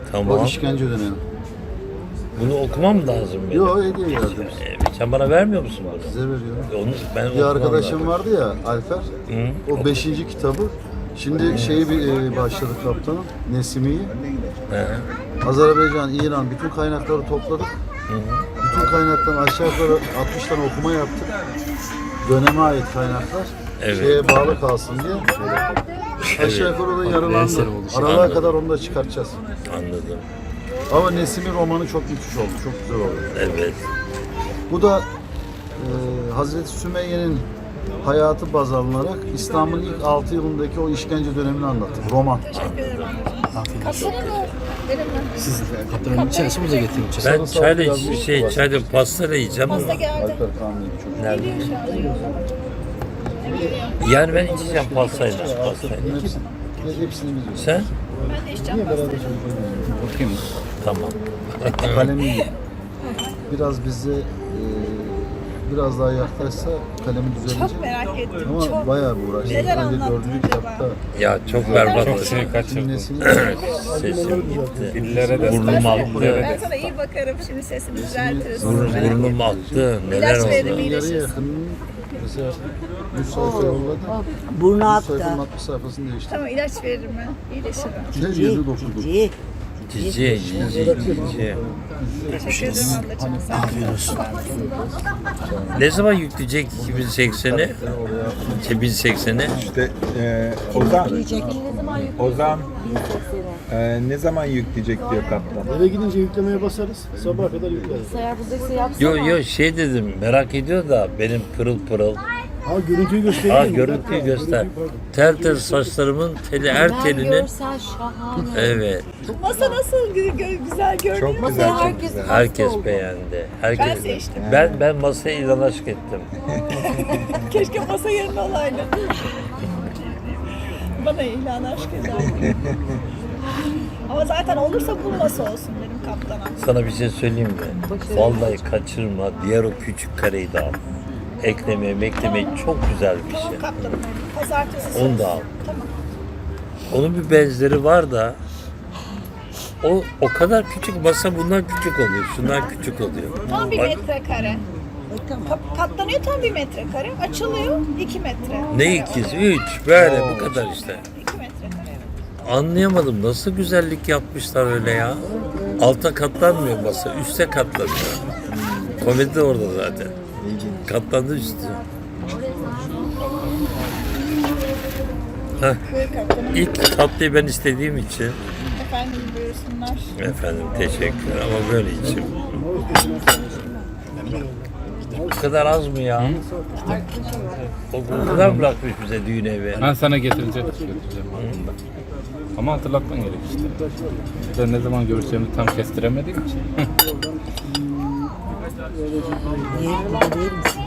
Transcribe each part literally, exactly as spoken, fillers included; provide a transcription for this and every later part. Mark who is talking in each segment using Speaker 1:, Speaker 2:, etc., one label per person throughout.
Speaker 1: Tamam.
Speaker 2: O işkence dönemi.
Speaker 1: Bunu okumam lazım benim.
Speaker 2: Yok hediye verdim.
Speaker 1: Ee, sen bana vermiyor musun bunu?
Speaker 2: Size veriyorum.
Speaker 1: Onu ben
Speaker 2: Bir
Speaker 1: okumam
Speaker 2: arkadaşım
Speaker 1: lazım.
Speaker 2: vardı ya Alper.
Speaker 1: Hı?
Speaker 2: O beşinci kitabı. Şimdi şeyi bir e, başladı kaptanım. Nesimi'yi.
Speaker 1: He.
Speaker 2: Azerbaycan, İran bütün kaynakları topladık.
Speaker 1: Hı hı.
Speaker 2: Bütün kaynaktan aşağı yukarı altmış tane okuma yaptık. Döneme ait kaynaklar.
Speaker 1: Evet.
Speaker 2: Şeye bağlı kalsın diye. Aşağı yukarı da yarılandı. Aralığa
Speaker 1: Anladım.
Speaker 2: kadar onu da çıkartacağız.
Speaker 1: Anladım.
Speaker 2: Ama Nesimi romanı çok müthiş oldu. Çok güzel oldu.
Speaker 1: Evet.
Speaker 2: Bu da e, Hazreti Sümeyye'nin hayatı baz alınarak İslam'ın ilk altı yılındaki o işkence dönemini anlattık. Roman.
Speaker 3: Siz kaptanın içerisi bize getirin.
Speaker 1: Ben çayla şey çayla pastayla yiyeceğim ama
Speaker 2: Alper Kamil çok.
Speaker 1: nerede? Yani ben içeceğim pastayla. Pastayla.
Speaker 2: Hepsini, hepsini biz yiyoruz.
Speaker 1: Sen?
Speaker 4: Ben de içeceğim pastayı.
Speaker 3: Bakayım.
Speaker 1: Tamam.
Speaker 2: Kalemi iyi. Biraz bize e, biraz daha yaklaşsa kalemi düzelecek.
Speaker 4: Çok merak ettim.
Speaker 2: Ama
Speaker 4: çok.
Speaker 2: bayağı bir uğraştık.
Speaker 4: Neler
Speaker 2: Önce
Speaker 4: anlattın
Speaker 2: dördüncü
Speaker 4: acaba?
Speaker 2: kitapta
Speaker 1: Ya çok berbat
Speaker 3: Çok
Speaker 1: oldu.
Speaker 3: şey kaçırdım.
Speaker 2: cümlesini
Speaker 1: Sesim gitti.
Speaker 3: Dillere de
Speaker 1: Burnum aktı.
Speaker 4: Ben sana iyi bakarım, şimdi sesini düzeltiriz.
Speaker 1: Burun, burnum aktı. Neler
Speaker 4: İlaç verelim,
Speaker 1: oldu?
Speaker 2: yarıya
Speaker 4: iyileşirsin.
Speaker 2: yakın mesela yüz sayfa yolladı.
Speaker 5: Burnu
Speaker 2: yüz
Speaker 5: aktı.
Speaker 2: sayfanın altmış sayfasını değiştirdi.
Speaker 4: Tamam, ilaç veririm ben. İyileşirim.
Speaker 2: Ne yedi dokuz
Speaker 5: Cici.
Speaker 1: Cici, cici, cici.
Speaker 4: Teşekkür ederim ablacığım. Afiyet olsun.
Speaker 1: Ne zaman yükleyecek iki bin sekseni? iki bin sekseni?
Speaker 6: İşte e, Ozan, Ozan e, ne zaman yükleyecek diyor kaptan.
Speaker 7: Eve gidince yüklemeye basarız. Sabaha kadar yükleriz.
Speaker 5: Eğer buradaysa yapsana.
Speaker 1: Yo yo şey dedim merak ediyor da benim pırıl pırıl.
Speaker 7: Ha görüntüyü göstereyim
Speaker 1: Ha
Speaker 7: mi?
Speaker 1: görüntüyü göster. Tel tel saçlarımın teli her
Speaker 5: Ben
Speaker 1: telinin.
Speaker 5: görsel şahane.
Speaker 1: Evet.
Speaker 4: Masa nasıl gü- gö- güzel gördün
Speaker 6: Çok
Speaker 4: mü?
Speaker 6: güzel, çok
Speaker 5: herkes
Speaker 6: güzel.
Speaker 5: hasta
Speaker 1: Herkes
Speaker 5: oldu.
Speaker 1: beğendi. Herkes.
Speaker 4: Ben seçtim.
Speaker 1: Ben ben masaya ilan aşk ettim.
Speaker 4: Keşke masa yerine olaydı. Bana ilan aşk ederdi. Ama zaten olursa bu masa olsun benim kaptana.
Speaker 1: Sana bir şey söyleyeyim mi? Vallahi kaçırma. Diğer o küçük kareyi de al. Eklemeye meklemeye çok güzel bir şey.
Speaker 4: Tamam kaptanım. Pazartesi
Speaker 1: Onu
Speaker 4: söz.
Speaker 1: da al.
Speaker 4: Tamam.
Speaker 1: Onun bir benzeri var da o o kadar küçük masa bundan küçük oluyor. Şundan küçük oluyor.
Speaker 4: Tam bir
Speaker 1: Bak,
Speaker 4: metrekare. Ka- Katlanıyor tam bir metrekare. Açılıyor iki metre.
Speaker 1: ne ikiz? Üç. Böyle bu kadar işte.
Speaker 4: İki metrekare.
Speaker 1: Anlayamadım. Nasıl güzellik yapmışlar öyle ya. Alta katlanmıyor masa. Üste katlanıyor. Komedi de orada zaten. Katlandı üstü. Heh.
Speaker 4: Buyur kaptanım.
Speaker 1: İlk tatlıyı ben istediğim için.
Speaker 4: Efendim buyursunlar.
Speaker 1: Efendim teşekkür ama böyle içim. Bu kadar az mı ya? O o kadar bırakmış bize düğün evi.
Speaker 3: Ben sana getirince götüreceğim. Ama hatırlatman gerek işte. Ben ne zaman göreceğimi tam kestiremediğim için.
Speaker 5: Niye burada değil misin?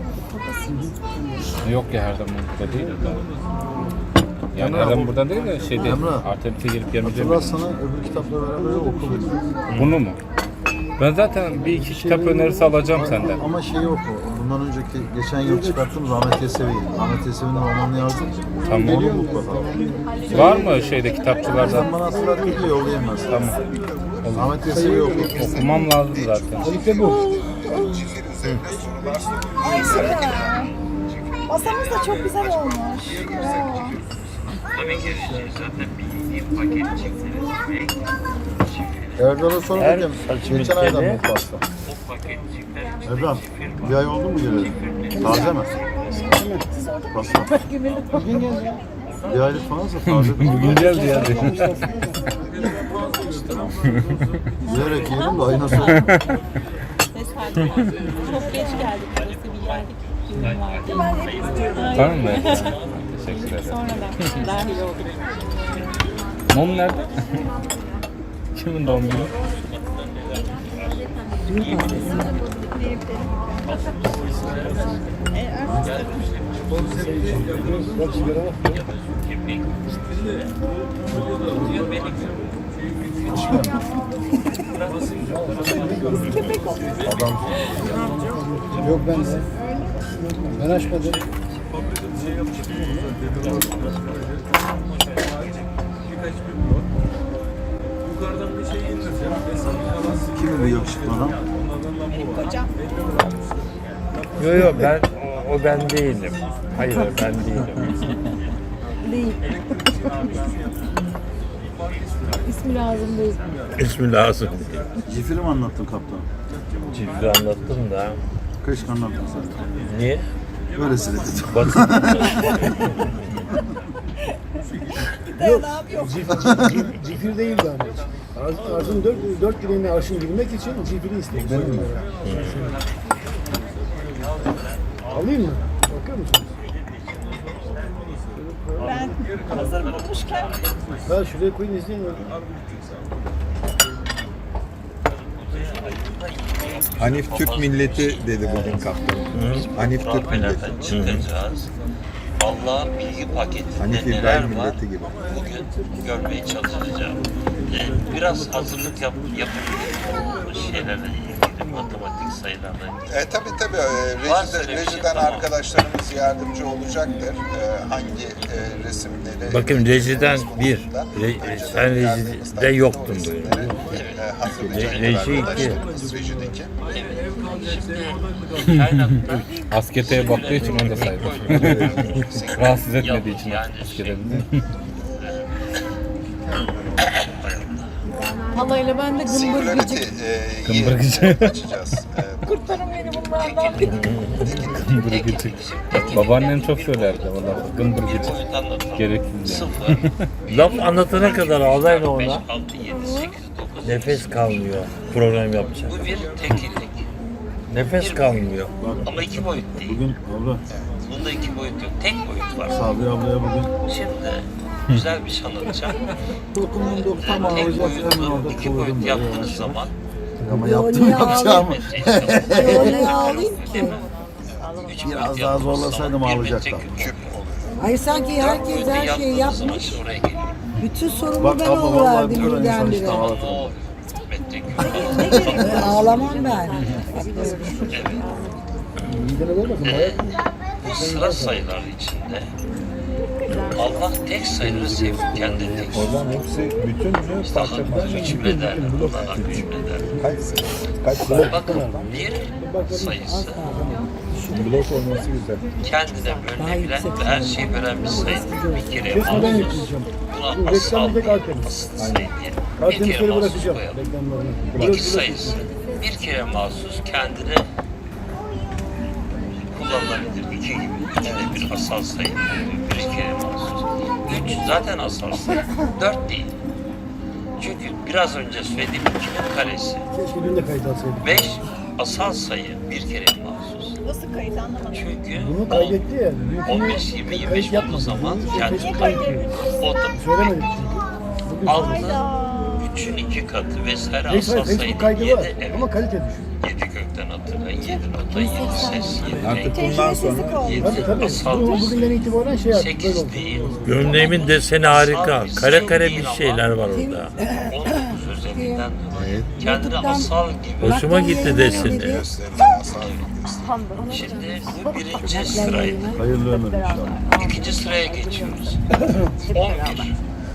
Speaker 3: Yok ya her zaman burada değil de. Yani her zaman burada değil de şey değil.
Speaker 2: Emrah.
Speaker 3: Alternatif gelip gelmeyeceğim.
Speaker 2: Hatırlar sana öbür kitapla beraber okudum.
Speaker 3: Bunu mu? Ben zaten bir iki kitap önerisi alacağım senden.
Speaker 2: Ama şey yok o. Bundan önceki geçen yıl çıkarttığımız Ahmet Yesevi. Ahmet Yesevi'nin romanını yazdım.
Speaker 3: Tamam.
Speaker 2: Geliyor mu mutlaka?
Speaker 3: Var mı şeyde kitapçılarda?
Speaker 2: Sen bana hatırlat bir yollayayım ben sana.
Speaker 3: Tamam.
Speaker 2: Ahmet Yesevi oku.
Speaker 3: Okumam lazım zaten.
Speaker 4: Ay süper. Masamız da çok güzel olmuş. Bravo.
Speaker 2: Erdal'a sonra
Speaker 1: Her
Speaker 2: dedim.
Speaker 1: saçımın
Speaker 2: Geçen aydan
Speaker 1: teli-
Speaker 2: bu pasta. Erdal, bir ay oldu mu geleli? Taze mi? Pasta. Bugün geldi. Bir aylık falansa taze.
Speaker 3: Bugün geldi ya.
Speaker 2: Yiyerek yiyelim de ayına sonra.
Speaker 8: Çok geç geldik burası bir geldik. Düğün vardı.
Speaker 4: Ben hep istiyorum.
Speaker 3: Tamam mı? Teşekkür ederim.
Speaker 8: Sonradan dahil olduk.
Speaker 3: Mum nerede? Kimin doğum günü?
Speaker 7: Yok ben de. Ben açmadım.
Speaker 2: Kim bu yakışıklı adam?
Speaker 4: Benim kocam.
Speaker 1: Yok yok ben o, o ben değilim. Hayır ben değilim.
Speaker 5: Değil. İsmi lazım değil.
Speaker 1: İsmi lazım değil.
Speaker 2: Cifiri mi anlattın kaptan?
Speaker 1: Cifri anlattım da.
Speaker 2: Keşke anlattın sen.
Speaker 1: Niye?
Speaker 2: Böylesi dedi.
Speaker 1: Basit.
Speaker 4: Dayanağım yok.
Speaker 7: Cif- Cifir değildi ama hiç. Arz- Arzın dört, dört direğine arşın girmek için cifiri istedim. Benim mi? Alayım mı? Bakıyor musunuz?
Speaker 4: Ben hazır bulmuşken
Speaker 7: Ben şuraya koyun izleyin. öyle.
Speaker 6: Hanif Türk milleti dedi bugün kaptan. Hanif Türk milleti.
Speaker 1: Profilden çıkacağız. Allah'ın bilgi paketinde
Speaker 6: Hanif
Speaker 1: neler
Speaker 6: İbrahim
Speaker 1: var
Speaker 6: milleti gibi.
Speaker 1: bugün görmeye çalışacağım. Ee, Biraz hazırlık yap, yapabilirim bu şeylerle ilgili, matematik sayılarla ilgili.
Speaker 9: E, tabii tabii. E,
Speaker 1: Varsa
Speaker 9: rejide,
Speaker 1: öyle bir şey,
Speaker 9: rejiden
Speaker 1: tamam.
Speaker 9: arkadaşlarımız yardımcı olacaktır. E, hangi e, resimleri...
Speaker 1: Bakın rejiden bir, re,
Speaker 9: Önceden
Speaker 1: sen rejide
Speaker 9: yardımcılarımızdan
Speaker 1: yoktun
Speaker 9: bu
Speaker 1: böyle.
Speaker 9: resimleri, E, hazırlayacaklar
Speaker 1: Reji iki.
Speaker 9: arkadaşlarımız rejideki.
Speaker 1: Kaynakta
Speaker 3: Asketeye baktığı için onu da saydım. Rahatsız etmediği için
Speaker 1: yani
Speaker 3: askete.
Speaker 5: Halayla ben de gımbır
Speaker 9: Singularity
Speaker 5: gıcık.
Speaker 9: e,
Speaker 3: Kımbırgıcı.
Speaker 9: ye- açacağız. E,
Speaker 5: Kurtarın beni bunlardan.
Speaker 3: Gımbır gıcık. Babaannem çok söylerdi valla. Gımbır gıcık. Gereksiz yani.
Speaker 1: sıfır, laf anlatana kadar ağlayla
Speaker 10: beş,
Speaker 1: ona
Speaker 10: altı, yedi, sekiz, dokuz.
Speaker 1: nefes kalmıyor program yapacak.
Speaker 10: Bu bir tekillik.
Speaker 1: Nefes kalmıyor.
Speaker 10: Ama iki boyut değil.
Speaker 2: Bugün abla,
Speaker 10: Bunda iki boyut yok. Tek boyut var.
Speaker 2: Sabri ablaya bugün
Speaker 10: Şimdi güzel bir şey anlatacağım.
Speaker 2: dokunun
Speaker 10: Tek boyutlu iki boyut yaptığınız zaman
Speaker 2: ama yaptım yapacağımı.
Speaker 5: Öyle ağlayayım ki.
Speaker 10: üç
Speaker 2: Biraz
Speaker 10: boyut
Speaker 2: daha
Speaker 10: yaptığınız
Speaker 2: zorlasaydım
Speaker 10: zaman bir
Speaker 2: ağlayacaktım.
Speaker 10: metre küp oluyor.
Speaker 5: Ay sanki
Speaker 10: Dört
Speaker 5: herkes
Speaker 10: boyutlu
Speaker 5: her şeyi
Speaker 10: yaptığınız zaman
Speaker 5: yapmış.
Speaker 10: işte oraya geliyor.
Speaker 5: Bütün sorumlu
Speaker 2: Bak
Speaker 5: ben
Speaker 2: abla, vallahi
Speaker 5: oluverdim
Speaker 2: bir insan işte
Speaker 5: birdenbire.
Speaker 10: Ama
Speaker 2: ağlatır.
Speaker 10: o metre küp.
Speaker 5: Ee, Ağlamam ben.
Speaker 7: Midene olmasın. Bayağı
Speaker 10: Bu sıra sayılar içinde Allah tek sayıları sevdi. Kendi tek.
Speaker 6: Ozan hepsi bütün mü
Speaker 10: İşte
Speaker 6: parça
Speaker 10: hakkı
Speaker 6: parça?
Speaker 10: hükmeder, Allah'a hükmeder.
Speaker 6: Kaç kaç blok,
Speaker 10: Bakın bir sayısı
Speaker 6: blok olması güzel.
Speaker 10: kendine bölünebilen ve her şeyi bölen bir sayı. Bir kere
Speaker 7: kesmeden
Speaker 10: mahsus.
Speaker 7: yükleyeceğim.
Speaker 10: Buna asal
Speaker 7: Reklamda Artemis.
Speaker 10: asıl sayı diye. Bir
Speaker 7: Artemisleri
Speaker 10: kere mahsus
Speaker 7: bırakacağım.
Speaker 10: koyalım.
Speaker 7: Reklamlarını.
Speaker 10: İki sayısı bir kere mahsus kendine kullanılabilir. İki gibi. İki de bir asal sayı. Bir kere mahsus. Üç zaten asal sayı. Dört değil. Çünkü biraz önce söylediğim ikinin karesi.
Speaker 7: Keşke dün de kayıt alsaydık.
Speaker 10: Beş asal sayı bir kere mahsus.
Speaker 4: nasıl kayıt anlamadım.
Speaker 10: Çünkü
Speaker 7: Bunu kaydetti ya. Dünkünü
Speaker 10: on beş, yirmi, yirmi beş
Speaker 7: kayıt
Speaker 10: olduğu zaman
Speaker 7: yapmadı.
Speaker 10: kendi
Speaker 7: Keşke
Speaker 4: kayıt
Speaker 7: kayıt
Speaker 4: ediyoruz.
Speaker 10: o da
Speaker 7: Söylemedik çünkü. Bugün
Speaker 10: altı,
Speaker 4: Hayda.
Speaker 10: üçün iki katı vesaire
Speaker 7: Neyse,
Speaker 10: asal sayı
Speaker 7: Facebook kaydı var
Speaker 10: yedi. Evet.
Speaker 7: ama kalite düşük.
Speaker 10: Yedi kökten hatırlayın. Yedi nota, yedi ses, yedi
Speaker 6: Artık
Speaker 10: renk.
Speaker 6: bundan sonra
Speaker 7: Tabii
Speaker 10: Yedi
Speaker 7: tabii.
Speaker 10: asal
Speaker 7: Bu, bugünden itibaren şey yaptık. Böyle
Speaker 10: sekiz
Speaker 7: oldu.
Speaker 10: değil.
Speaker 1: Gömleğimin deseni harika. Kare kare bir şeyler var orada.
Speaker 10: on dokuz özelliğinden dolayı kendini asal gibi.
Speaker 1: Hoşuma gitti deseni.
Speaker 9: Gösterini asal gösterini.
Speaker 10: Şimdi bu birinci sıraydı.
Speaker 2: Hayırlı ömür inşallah.
Speaker 10: İkinci sıraya geçiyoruz. on bir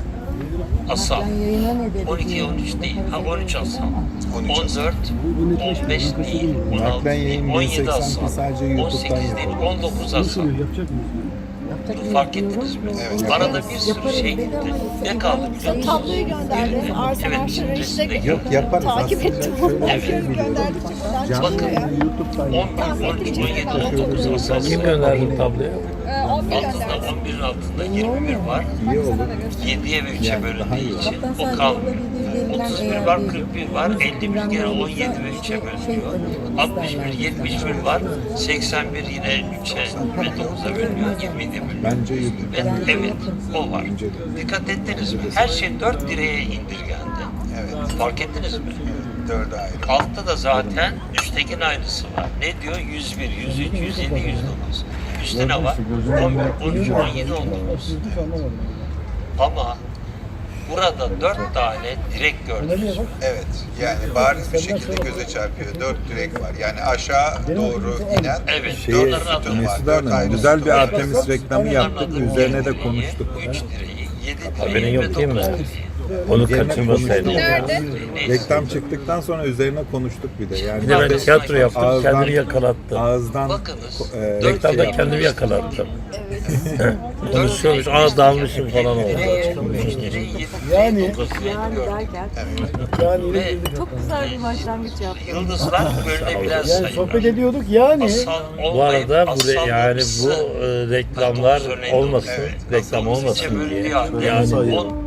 Speaker 10: asal.
Speaker 5: Ben yayına ne dedim?
Speaker 10: on iki, on üç değil. Ha on üç asal.
Speaker 9: on üç
Speaker 10: on dört, on beş değil. on altı
Speaker 6: Naklen
Speaker 10: değil.
Speaker 6: yayın
Speaker 10: on yedi
Speaker 6: bin seksen
Speaker 10: asal.
Speaker 6: sadece
Speaker 10: on
Speaker 6: YouTube'dan
Speaker 10: sekiz değil.
Speaker 6: yapılıyor.
Speaker 10: on dokuz
Speaker 7: Nasıl
Speaker 10: asal.
Speaker 7: oluyor? Yapacak mıyız?
Speaker 10: Fark ettiniz mi?
Speaker 9: Evet.
Speaker 10: Arada bir sürü şey gitti. Ne kaldı biliyor musunuz?
Speaker 4: Tabloyu gönderdi. Arsen
Speaker 10: Evet,
Speaker 4: Arşer'e işte
Speaker 10: resimde
Speaker 6: Yok yaparız.
Speaker 4: takip
Speaker 6: Aslında
Speaker 4: ettim.
Speaker 6: şöyle bir
Speaker 4: Bakıyorum
Speaker 6: şey biliyorum.
Speaker 4: gönderdikçe buradan
Speaker 6: Canlı
Speaker 4: çıkıyor.
Speaker 6: yayını YouTube'dan
Speaker 10: on bir, on üç, on yedi, on dokuz asal.
Speaker 1: Kim gönderdi tabloyu?
Speaker 4: Ee, on bir
Speaker 10: Altında
Speaker 4: gönderdi.
Speaker 10: on birin altında yirmi bir var.
Speaker 6: iyi olur.
Speaker 10: yediye ve üçe
Speaker 6: Yani daha
Speaker 10: bölündüğü
Speaker 6: iyi olur.
Speaker 10: için o kalmıyor. otuz bir var, kırk bir var, elli bir gene on yedi ve üçe bölünüyor. altmış bir, yetmiş bir var, seksen bir yine üçe ve dokuza bölünüyor, yirmiye bölünüyor.
Speaker 6: Bence YouTube.
Speaker 10: Ve evet, o var. Dikkat ettiniz mi? Her şey dört direğe indirgendi.
Speaker 9: Evet.
Speaker 10: Fark ettiniz mi?
Speaker 9: Dörde ayrı.
Speaker 10: Altta da zaten üsttekinin aynısı var. Ne diyor? yüz bir, yüz üç, yüz yedi, yüz dokuz. Üstte ne var? on bir, on üç, on yedi, on dokuz.
Speaker 7: Hiç anlamadım.
Speaker 10: Ama burada dört tane direk gördünüz mü?
Speaker 9: Evet. Yani bariz bir şekilde göze çarpıyor. Dört direk var. Yani aşağı doğru inen
Speaker 10: Evet,
Speaker 6: Şey,
Speaker 10: onların adı var.
Speaker 6: Mesut
Speaker 9: Dört
Speaker 6: Hanım
Speaker 9: ayrı
Speaker 6: güzel
Speaker 9: sütun
Speaker 6: bir
Speaker 9: var.
Speaker 6: Artemis reklamı yaptık. Üzerine de konuştuk.
Speaker 10: üç direği, yedi
Speaker 1: Haberin
Speaker 10: direği
Speaker 1: yok
Speaker 10: ve
Speaker 1: değil mi?
Speaker 10: dokuz direği.
Speaker 1: Onu
Speaker 6: Üzerine
Speaker 1: kaçırmasaydım.
Speaker 6: konuştuk.
Speaker 4: Nerede?
Speaker 6: Reklam çıktıktan sonra üzerine konuştuk bir de. Yani
Speaker 1: Bir de ben tiyatro yaptım,
Speaker 6: Ağızdan-
Speaker 1: kendimi yakalattım.
Speaker 6: Ağızdan
Speaker 10: Bakınız.
Speaker 6: e,
Speaker 1: Reklamda kendimi yakalattım. Konuşuyormuş, aa dalmışım falan oldu.
Speaker 7: Yani
Speaker 8: Yani derken
Speaker 7: yani
Speaker 10: Ve
Speaker 8: çok güzel bir başlangıç yaptın.
Speaker 10: yıldızlar bölünebilen
Speaker 7: yani sohbet
Speaker 10: sayılar.
Speaker 7: ediyorduk yani.
Speaker 10: Asal
Speaker 1: Bu
Speaker 10: olmayıp
Speaker 1: arada bu
Speaker 10: asal
Speaker 1: re- yani bu
Speaker 10: yapısı
Speaker 1: e, reklamlar
Speaker 10: dokuz örneğin
Speaker 1: olmasın,
Speaker 10: evet,
Speaker 1: reklam
Speaker 10: asal
Speaker 1: olmasın
Speaker 10: ikiye
Speaker 1: diye.
Speaker 10: bölünüyor.
Speaker 1: Yani
Speaker 10: on-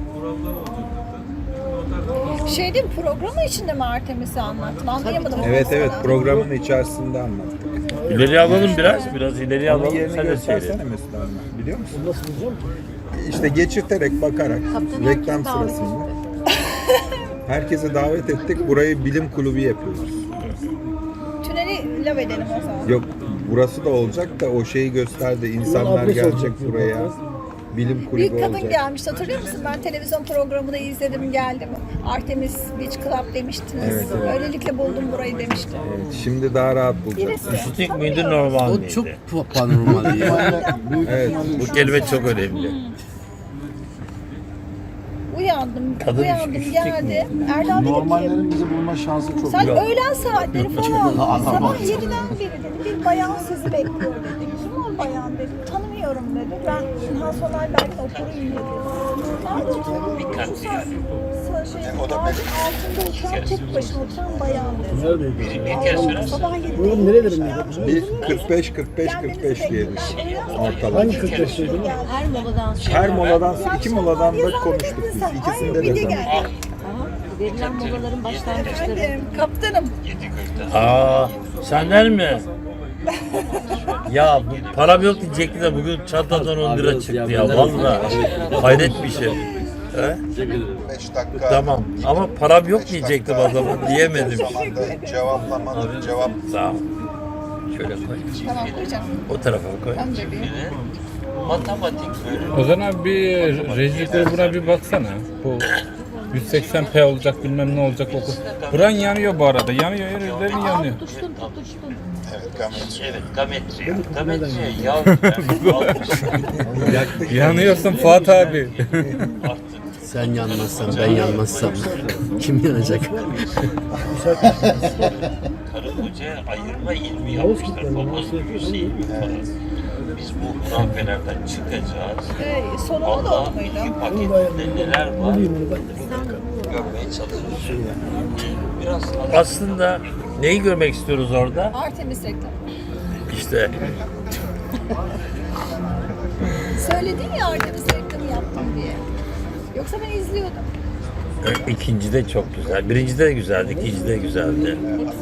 Speaker 4: Şey değil mi, programı içinde mi Artemis'i anlattın? Anlayamadım.
Speaker 6: Evet
Speaker 4: sana.
Speaker 6: evet programın içerisinde anlattık.
Speaker 1: ileri alalım biraz, biraz ileri
Speaker 6: Onun
Speaker 1: alalım.
Speaker 6: yerini
Speaker 1: Sen de
Speaker 6: göstersene
Speaker 1: seyret.
Speaker 6: Mesut abi. Biliyor musun?
Speaker 7: Nasıl diyeceğim ki?
Speaker 6: İşte geçirterek bakarak
Speaker 8: Kaptan
Speaker 6: reklam
Speaker 8: herkes davet
Speaker 6: sırasında herkese davet ettik. Burayı bilim kulübü yapıyoruz.
Speaker 4: Tüneli lav edelim o zaman.
Speaker 6: Yok burası da olacak da o şeyi gösterdi. İnsanlar
Speaker 7: adres
Speaker 6: gelecek
Speaker 7: olacak
Speaker 6: buraya.
Speaker 7: diyor.
Speaker 6: Bilim
Speaker 4: Bir
Speaker 6: kulübü
Speaker 4: kadın
Speaker 6: olacak.
Speaker 4: gelmişti, hatırlıyor musun? Ben televizyon programında izledim, geldim. Artemis Beach Club demiştiniz.
Speaker 6: Evet, evet.
Speaker 4: Öylelikle buldum burayı demişti.
Speaker 6: Evet, şimdi daha rahat bulacaksın.
Speaker 4: Birisi.
Speaker 1: Üşütük müydü, normal miydi?
Speaker 11: Çok panormal ya.
Speaker 6: Evet.
Speaker 1: Bu kelime çok önemli.
Speaker 4: Uyandım,
Speaker 1: Kadın
Speaker 4: uyandım,
Speaker 1: üşütük
Speaker 4: geldi. Erdal dedi ki,
Speaker 7: Normallerin bizi bulma şansı çok
Speaker 4: sen
Speaker 7: yok.
Speaker 4: öğlen saatleri falan, sabah yediden beri dedi, bir bayan sizi bekliyor dedi. Kim o bayan dedi, tanımıyorum dedi. Ben İlhan Soner belki okuruyum dedi. Nerede oturuyorum? Şu sa- sa- şey, ağacın altında oturan, tek başına oturan bayan dedi.
Speaker 7: Neredeydi?
Speaker 10: Bir kez söyler
Speaker 4: Sabah yedide.
Speaker 7: Buraların nerelerindeydi?
Speaker 6: Bir kırk beş kırk beş kırk beş diyelim. Ortalama.
Speaker 7: Hangi kırk beşteydi?
Speaker 8: Her moladan sonra.
Speaker 6: Her moladan iki moladan da konuştuk biz. İkisinde
Speaker 4: bir
Speaker 6: de
Speaker 4: de
Speaker 6: zaman.
Speaker 4: geldi.
Speaker 8: Aha, verilen molaların başlangıçları.
Speaker 4: Efendim, kaptanım.
Speaker 1: Aa, senden mi? Ya bu param yok diyecekti de bugün çantadan on lira çıktı ya valla. Hayret bir şey. He?
Speaker 9: beş dakika.
Speaker 1: Tamam ama param yok diyecektim adamı diyemedim.
Speaker 9: Zamanda cevaplamalı cevap.
Speaker 1: Sağ ol. Şöyle koy.
Speaker 4: Tamam koyacağım.
Speaker 1: O tarafa koy.
Speaker 4: Tamam bebeğim.
Speaker 10: matematik bölümü.
Speaker 3: Ozan abi bir reji grubuna bir baksana. Bu yüz seksen p olacak bilmem ne olacak oku. Buran yanıyor bu arada. Yanıyor yerlerin yanıyor.
Speaker 8: Tutuştun tutuştun.
Speaker 9: Evet, gametri.
Speaker 10: Evet, gametri. Gametriye yavrum.
Speaker 3: Yanıyorsun Fuat abi.
Speaker 11: Sen yanmazsan ben yanmazsam kim yanacak?
Speaker 10: Karı kocaya ayırma ilmi yapmışlar. Babası yüzü ilmi falan. Biz bu hurafelerden çıkacağız.
Speaker 4: Ee, sonunda da
Speaker 10: Allah
Speaker 4: o muydu?
Speaker 10: iki paketinde neler var görmeye çalışıyoruz. Biraz
Speaker 1: Aslında neyi görmek istiyoruz orada?
Speaker 4: Artemis reklamı.
Speaker 1: İşte
Speaker 4: Söyledin ya Artemis reklamı yaptım diye. Yoksa ben izliyordum.
Speaker 1: ikinci de çok güzel. Birinci de güzeldi, ikinci de güzeldi.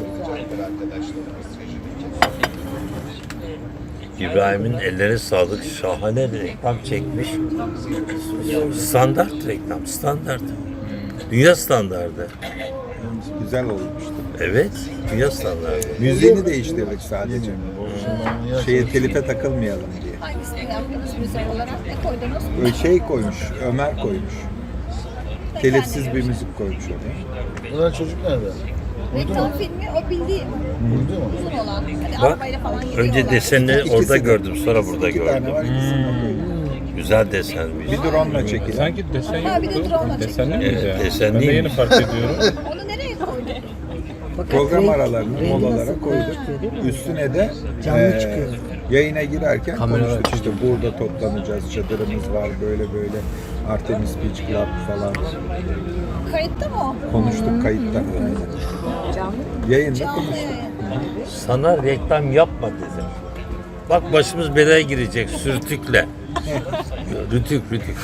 Speaker 1: İbrahim'in ellerine sağlık. Şahane bir reklam çekmiş. Standart reklam, standart. Dünya standardı.
Speaker 6: Güzel olmuştu.
Speaker 1: Evet, dünya standardı.
Speaker 6: Müziğini değiştirdik sadece. Şeye telife takılmayalım diye.
Speaker 4: Hangisini yaptınız müzik olarak? Ne koydunuz?
Speaker 6: Böyle şey koymuş, Ömer koymuş. Telifsiz bir müzik koymuş oraya.
Speaker 7: Ulan çocuk nerede?
Speaker 4: Reklam filmi o bildiğim. Uzun olan. Hani
Speaker 1: Bak,
Speaker 4: arabayla falan gidiyorlar.
Speaker 1: önce desenleri
Speaker 6: İkisi
Speaker 1: orada
Speaker 6: de-
Speaker 1: gördüm, sonra burada
Speaker 6: İki tane
Speaker 1: gördüm.
Speaker 6: var, ikisini de koyduk.
Speaker 1: Güzel desenmiş.
Speaker 6: Bir drone'la çekilen.
Speaker 3: Sanki desen
Speaker 4: Ha, bir de
Speaker 3: yoktu.
Speaker 4: drone
Speaker 3: Desenli miydi
Speaker 1: Evet,
Speaker 3: ya?
Speaker 1: desen
Speaker 3: Ben de yeni
Speaker 1: değilmiş.
Speaker 3: fark ediyorum.
Speaker 4: Onu nereye koydun?
Speaker 6: Program aralarını molalara koyduk. Üstüne de eee, yayına girerken konuştuk işte burada toplanacağız, çadırımız var böyle böyle Artemis Beach Club falan
Speaker 4: Kayıtta mı o?
Speaker 6: konuştuk kayıtta. Aynen. Yayında
Speaker 4: Canlı
Speaker 6: konuştuk.
Speaker 4: yayın.
Speaker 1: Sana reklam yapma dedim. Bak başımız belaya girecek sürtükle. Rütük, rütük.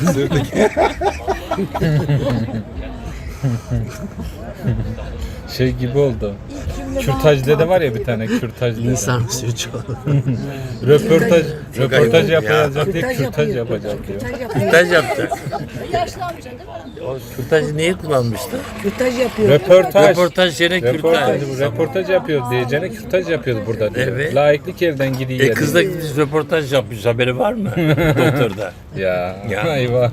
Speaker 3: Şey gibi oldu. Kürtaj dede var ya bir tane kürtaj dede.
Speaker 11: İnsan suçu.
Speaker 3: Röportaj,
Speaker 1: Çok
Speaker 3: röportaj
Speaker 1: ayıp ya.
Speaker 3: yapacak diye kürtaj yapacak diyor.
Speaker 1: Kürtaj yapacak.
Speaker 4: Yaşlı amca değil mi?
Speaker 1: O kürtajı niye kullanmıştı?
Speaker 5: Kürtaj yapıyor.
Speaker 3: Röportaj.
Speaker 1: Röportaj yerine
Speaker 3: Röportaj,
Speaker 1: kürtaj.
Speaker 3: röportaj yapıyor diyeceğine kürtaj yapıyoruz burada diyor.
Speaker 1: Evet.
Speaker 3: Laiklik elden gidiyor.
Speaker 1: E kız da gitmiş röportaj yapmış, haberi var mı? Doktorda.
Speaker 3: Ya,
Speaker 1: Ya.
Speaker 3: eyvah.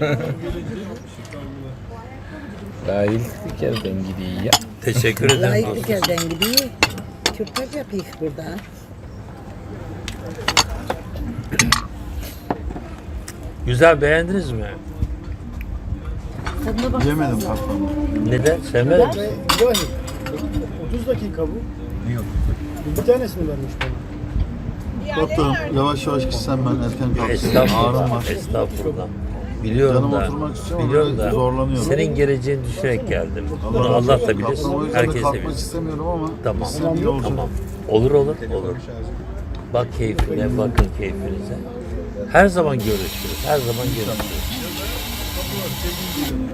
Speaker 3: Laiklik elden gidiyor ya.
Speaker 1: Teşekkür ederim.
Speaker 5: Layıklık elden gidiyor. Kürtaj yapıyor burada.
Speaker 1: Güzel, beğendiniz mi?
Speaker 4: Tadına baksana.
Speaker 2: Yemedim patron.
Speaker 1: Neden? Sevmedin mi?
Speaker 7: Ve İbrahim, otuz dakika bu.
Speaker 6: Niye otuz dakika?
Speaker 7: Bir tanesini vermiş bana.
Speaker 2: Doktorum yavaş yavaş gitsem ben erken kalkayım. Ağrım
Speaker 1: Estağfurullah,
Speaker 2: var.
Speaker 1: estağfurullah. Biliyorum
Speaker 2: Canım
Speaker 1: da,
Speaker 2: oturmak istiyor ama
Speaker 1: biliyorum
Speaker 2: böyle
Speaker 1: da
Speaker 2: zorlanıyorum.
Speaker 1: senin geleceğini düşünerek geldim. Bunu
Speaker 2: razı
Speaker 1: Allah
Speaker 2: olsun.
Speaker 1: da bilir,
Speaker 2: Patron, o yüzden de
Speaker 1: herkes de
Speaker 2: kalkmak
Speaker 1: bilir.
Speaker 2: istemiyorum ama
Speaker 1: Tamam,
Speaker 2: gitsem iyi olacak.
Speaker 1: tamam. Olur olur, olur. Bak keyfine, bakın keyfinize. Her zaman görüşürüz, her zaman görüşürüz.